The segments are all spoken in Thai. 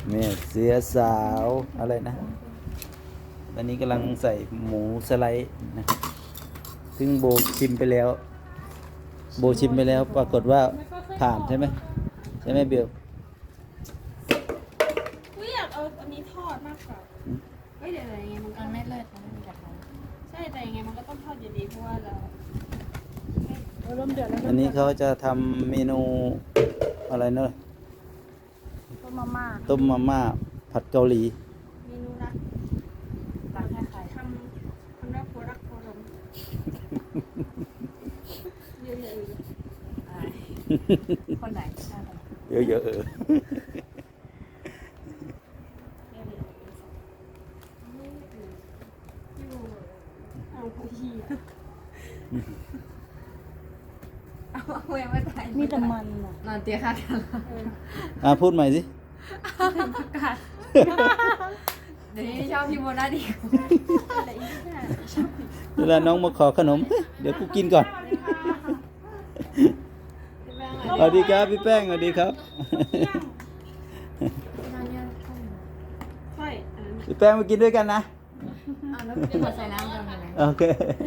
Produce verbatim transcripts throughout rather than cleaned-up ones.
แม่เสือสาวอะไรนะตอนนี้กำลังใส่หมูสไลด์นะครับซึ่งโบชิมไปแล้ว โบชิมไปแล้วปรากฏว่าผ่านใช่ไหมใช่ไหมเบลกูอยากเอาอันนี้ทอดมากกว่าเฮ้ยเดี๋ยวยังไงมันก็มันไม่เลิศมันไม่มีกระทะใช่แต่ยังไงมันก็ต้องทอดอยู่ดีเพราะว่าเราเริ่มเดือดแล้วอันนี้เขาจะทำเมนูอะไรเนอะต้มมาม่าต้มมาม่าผัดเกาหลีเมนูรักรักแค่ใครทำทำรักโครักโคลมเยอะๆเลยอะไรคนไหนใช่เยอะๆเออเอาพอดีอะเอาเวมาตายมีแต่มันอ่ะนอนเตี้ยค่ะกันอ่ะพูดใหม่สิเดี๋ยวนี้ชอบพี่โมนาดีอะไรอีกเนี่ยชอบเวลาน้องมาขอขนม เดี๋ยวกูกินก่อน สวัสดีครับพี่แป้งสวัสดีครับนอนเนี่ยค่อยอันนั้นพี่แป้งมากินด้วยกันนะเอาแล้วพี่ขอใส่น้ำกันไหมโอเค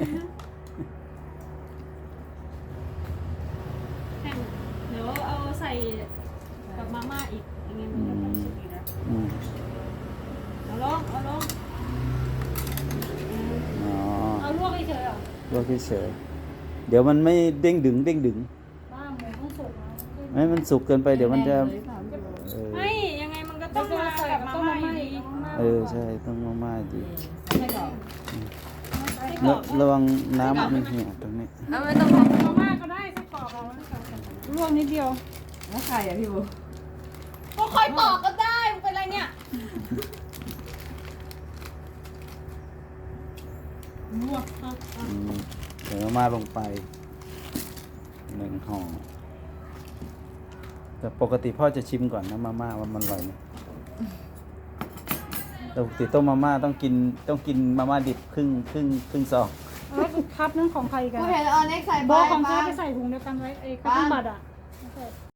แห้งเดี๋ยวเอาใส่กับมาม่าอีกอย่างเงี้ยมันก็ต้องสุกอีกแล้วอืมเอาลงเอาลงอืมอ๋อเอาลวกเฉยๆเหรอลวกเฉยๆเดี๋ยวมันไม่เด้งดึงเด้งดึงบ้าหมูต้องสุกนะไม่มันสุกเกินไปเดี๋ยวมันจะเออไม่ยังไงมันก็ต้องมากับมาม่าอยู่ดีเออใช่ต้องมากๆดีไม่กรอบระระวังน้ำมันเหี่ยวตรงนี้เอาไม่ต้องทมาม่าก็ได้ไส้กรอกเอาไว้ก่อนลวกนิดเดียวำแล้วใครอ่ะพี่โบก็คอยปอกก็ได้มันเป็นไรเนี่ย ลวกเอาอืมเดี๋ยวมาลงไปหนึ่งห่อแต่ปกติพ่อจะชิมก่อนนะมาม่าว่ามันอร่อยไหมแต่ปกติต้มมาม่าต้องกินต้องกินมาม่าดิบครึ่งครึ่งครึ่งซองเออคัพนั่นของใครกันกูเห็นเอาเน็กใส่โบใบของใครมาไปใส่ถุงเดียวกันไว้ไอ้ข้าวต้มบัตรอ่ะ